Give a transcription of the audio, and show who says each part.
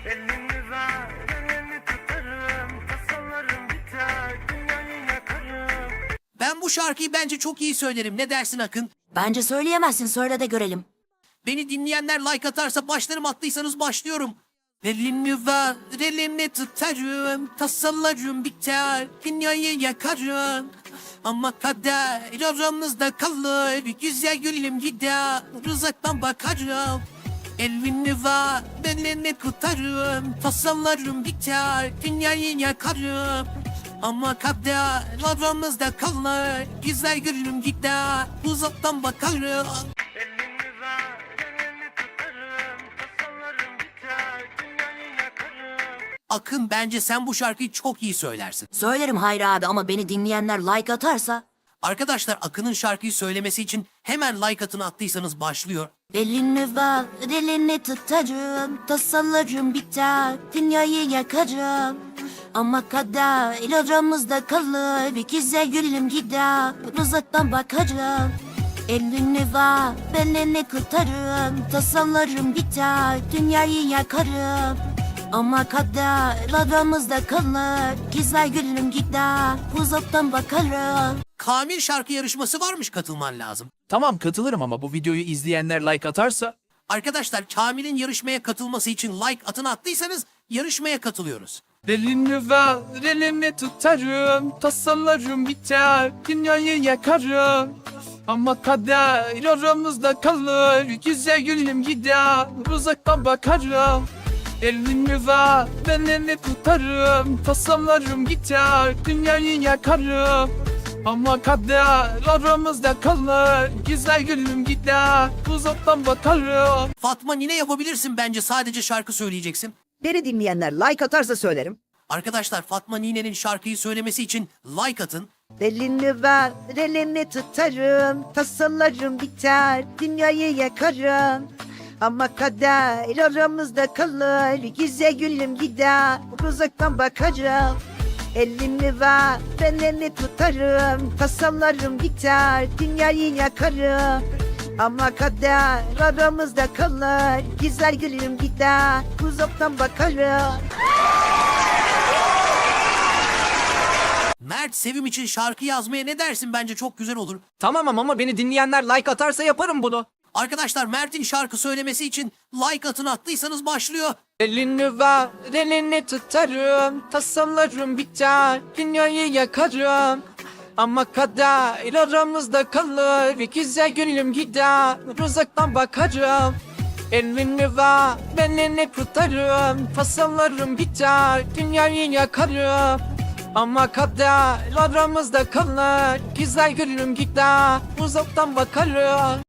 Speaker 1: Elini ver, elini tutarım, tasalarım biter, dünyayı yakarım.
Speaker 2: Ben bu şarkıyı bence çok iyi söylerim. Ne dersin Akın?
Speaker 3: Bence söyleyemezsin, söyle de görelim.
Speaker 2: Beni dinleyenler like atarsa başlarım, attıysanız başlıyorum. Elini ver, elini tutarım, tasalarım biter, dünyayı yakarım. Ama kader aramızda kalır, güzel gülüm gider, uzaktan bakarım. Elini ver, elini tutarım, tasalarım biter, dünyayı yakarım. Ama kader aramızda kalır, güzel gülüm gider, uzaktan bakarım.
Speaker 1: Elini ver, elini tutarım, tasalarım biter, dünyayı yakarım.
Speaker 2: Akın, bence sen bu şarkıyı çok iyi söylersin.
Speaker 3: Söylerim Hayri abi ama beni dinleyenler like atarsa...
Speaker 2: Arkadaşlar, Akın'ın şarkıyı söylemesi için hemen like atını attıysanız başlıyor.
Speaker 3: Elini ver, elini tutarım, tasalarım biter, dünyayı yakarım. Ama kader aramızda kalır, bir güzel gülüm gider, uzaktan bakarım. Elini ver, elini tutarım, tasalarım biter, dünyayı yakarım. Ama kader aramızda kalır, güzel gülüm gider, uzaktan bakarım.
Speaker 2: Kamil şarkı yarışması varmış, katılman lazım.
Speaker 4: Tamam, katılırım ama bu videoyu izleyenler like atarsa...
Speaker 2: Arkadaşlar, Kamil'in yarışmaya katılması için like atını attıysanız yarışmaya katılıyoruz.
Speaker 4: Elini ver, elini tutarım, tasalarım biter, dünyayı yakarım. Ama kader aramızda kalır, güzel gülüm gider, uzaktan bakarım. Elini ver, elini tutarım, tasalarım biter, dünyayı yakarım. Ama kader aramızda kalır, güzel gülüm gider, uzaktan bakarım.
Speaker 2: Fatma Nine yapabilirsin bence, sadece şarkı söyleyeceksin.
Speaker 5: Beni dinleyenler like atarsa söylerim.
Speaker 2: Arkadaşlar, Fatma Nine'nin şarkıyı söylemesi için like atın.
Speaker 5: Elini ver, elini tutarım, tasalarım biter, dünyayı yakarım. Ama kader aramızda kalır, güzel gülüm gider, uzaktan bakarım. Elini ver, elini tutarım, tasalarım biter, dünyayı yakarım. Ama kader aramızda kalır, güzel gülüm gider, uzaktan bakarım.
Speaker 2: Mert, Sevim için şarkı yazmaya ne dersin? Bence çok güzel olur.
Speaker 6: Tamam ama beni dinleyenler like atarsa yaparım bunu.
Speaker 2: Arkadaşlar, Mert'in şarkı söylemesi için like atını attıysanız başlıyor.
Speaker 6: Elini ver, elini tutarım, tasalarım biter, dünyayı yakarım. Ama kader aramızda kalır, bir güzel gülüm gider, uzaktan bakarım. Elini ver, elini tutarım, tasalarım biter, dünyayı yakarım. Ama kader aramızda kalır, güzel gülüm gider, uzaktan bakarım.